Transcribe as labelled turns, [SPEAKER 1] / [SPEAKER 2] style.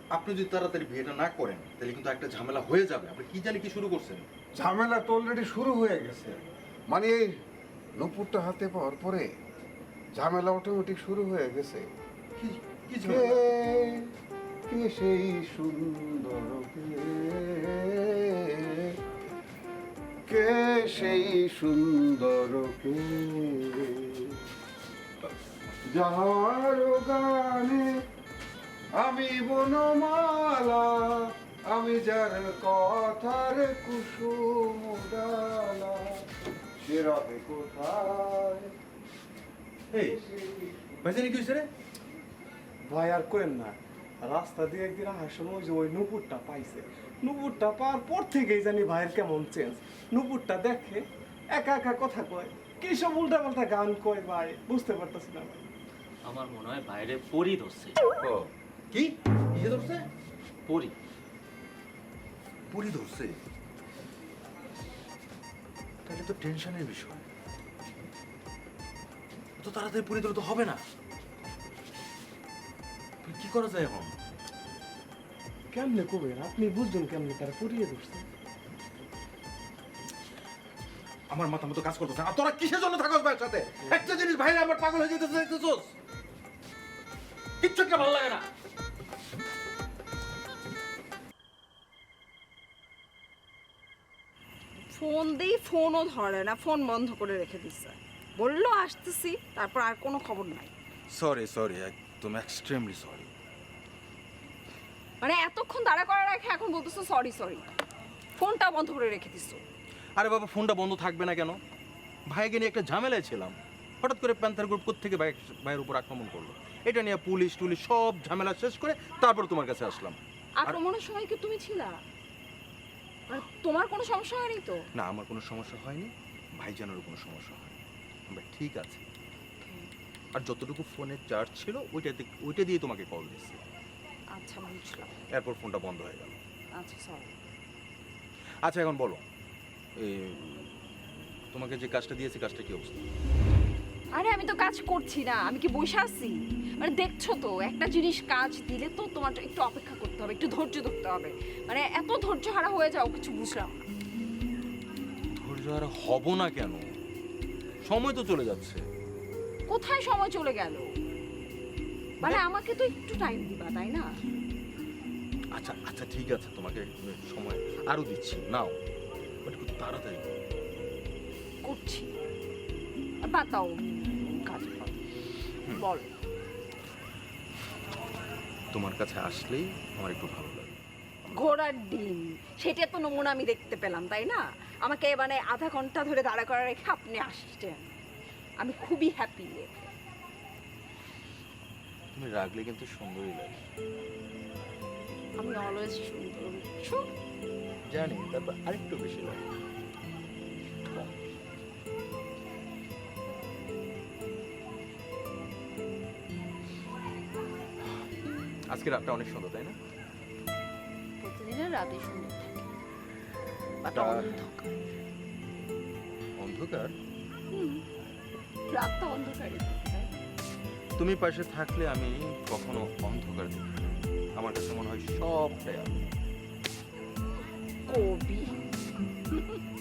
[SPEAKER 1] আপনি যদি তাড়াতাড়ি বিয়েটা না করেন তাহলে কিন্তু একটা ঝামেলা হয়ে যাবে। আপনি কি জানি কি শুরু করছেন।
[SPEAKER 2] ঝামেলা তো অলরেডি শুরু হয়ে গেছে। মানে এই নূপুরটা হাতে পাওয়ার পরে ঝামেলা অটোমেটিক শুরু হয়ে গেছে।
[SPEAKER 1] কি কি
[SPEAKER 2] কে
[SPEAKER 1] ঝামেলা?
[SPEAKER 2] কে সেই সুন্দর কে সেই সুন্দর কে যার গানে আমি বনমালা, আমি যার কথার কুসুম ডালা, সে রবে কোথায়?
[SPEAKER 1] এই ভাইজানি কি হয়েছে রে?
[SPEAKER 3] ভাই আর করেন না, রাস্তা দিয়ে একদিন আসার সময় যে ওই নুপুরটা পাইছে, নুপুরটা পাওয়ার পর থেকেই জানি ভাইয়ের কেমন চেঞ্জ। নুপুরটা দেখে একা একা কথা কয়, কি সব উল্টা পাল্টা গান কয় ভাই, বুঝতে পারতেছি না ভাই।
[SPEAKER 4] আমার মনে হয় বাইরে পরি ধরছে।
[SPEAKER 1] ও কি কিসে ধরছে?
[SPEAKER 4] পরি।
[SPEAKER 1] পুরি ধরছে? তাহলে তো টেনশনের বিষয়। তো তাড়াতাড়ি পুরি ধরলে তো হবে না। কি করা যায় এখন?
[SPEAKER 3] কেমনে কবেন আপনি বুঝছেন কেমনে তারা পরিয়ে ধরছে?
[SPEAKER 1] আমার মাথা মতো কাজ করতেছে। আর তোরা কিসের জন্য থাকস ভাইয়ের সাথে? একটা জিনিস ভাইরা আমার পাগল হয়ে যেতেছে দেখতেছস? কিচ্ছু একটা ভালো লাগে না।
[SPEAKER 5] ফোন দিই, ফোনও ধরে না, ফোন বন্ধ করে রেখে দিচ্ছে। বললো আসতেছি, তারপর আর কোনো খবর নাই।
[SPEAKER 1] সরি একদম এক্সট্রিমলি সরি।
[SPEAKER 5] মানে এতক্ষণ দাঁড়া করে রেখে এখন বলতেছো সরি সরি, ফোনটা বন্ধ করে রেখে দিচ্ছ।
[SPEAKER 1] আরে বাবা ফোনটা বন্ধ থাকবে না কেন? ভাইকে নিয়ে একটা ঝামেলায় ছিলাম। হঠাৎ করে প্যান্থার গ্রুপ থেকে ভাইয়ের উপর আক্রমণ করলো। এটা নিয়ে পুলিশ টুলিশ সব ঝামেলা শেষ করে তারপর তোমার কাছে আসলাম।
[SPEAKER 5] আক্রমণের সময় কি তুমি ছিলা? আর তোমার কোনো সমস্যা হয়নি তো?
[SPEAKER 1] না, আমার কোনো সমস্যা হয়নি, ভাইজানেরও কোনো সমস্যা হয়নি, আমরা ঠিক আছে। আর যতটুকু ফোনের চার্জ ছিল ওইটা দিয়ে তোমাকে কল দিচ্ছি।
[SPEAKER 5] আচ্ছা বুঝলাম।
[SPEAKER 1] এরপর ফোনটা বন্ধ হয়ে গেল।
[SPEAKER 5] আচ্ছা সরি।
[SPEAKER 1] আচ্ছা এখন বলো, তোমাকে যে কাজটা দিয়েছি কাজটা কি অবস্থা?
[SPEAKER 5] আরে আমি তো কাজ করছি না, আমি কি বসে আছি? মানে দেখছো তো, একটা জিনিস কাজ দিলে তো তোমার একটু অপেক্ষা করতে হবে, একটু ধৈর্য ধরতে হবে। মানে এত ধৈর্য হারা হয়ে যাও, কিছু বুঝলাম না।
[SPEAKER 1] ধৈর্য আর হব না কেন? সময় তো চলে যাচ্ছে।
[SPEAKER 5] কোথায় সময় চলে গেল? মানে আমাকে তো একটু টাইম দিবা, তাই না?
[SPEAKER 1] আচ্ছা আচ্ছা ঠিক আছে, তোমাকে সময় আরো দিচ্ছি, নাও, বাট একটু তাড়াতাড়ি করো।
[SPEAKER 5] করছি। আর বাদ দাও কাজ, বল।
[SPEAKER 1] তোমার কাছে আসলেই আমার একটু ভালো লাগে।
[SPEAKER 5] ঘোড়ার ডিম, সেটা তো নমুনা আমি দেখতে পেলাম, তাই না? আমাকে মানে আধা ঘন্টা ধরে দাঁড়া করা রেখে আপনি আসছেন, আমি খুবই হ্যাপি।
[SPEAKER 1] তুমি রাগলে কিন্তু সুন্দরই লাগে।
[SPEAKER 5] আমি অলওয়েজ সুন্দর, বুঝছো?
[SPEAKER 1] জানি, তারপর আরেকটু বেশি লাগে। কম। আজকে রাতটা অনেক সুন্দর, তাই না?
[SPEAKER 5] প্রতিদিনের রাতেই সুন্দর থাকে, বাট
[SPEAKER 1] তা-
[SPEAKER 5] অন্ধকার।
[SPEAKER 1] অন্ধকার?
[SPEAKER 5] রাতটা অন্ধকারই থাকে, তাই না?
[SPEAKER 1] তুমি পাশে থাকলে আমি কখনো অন্ধকার দেখি না। আমার কাছে মনে হয় সবটাই আলো।
[SPEAKER 5] কবি।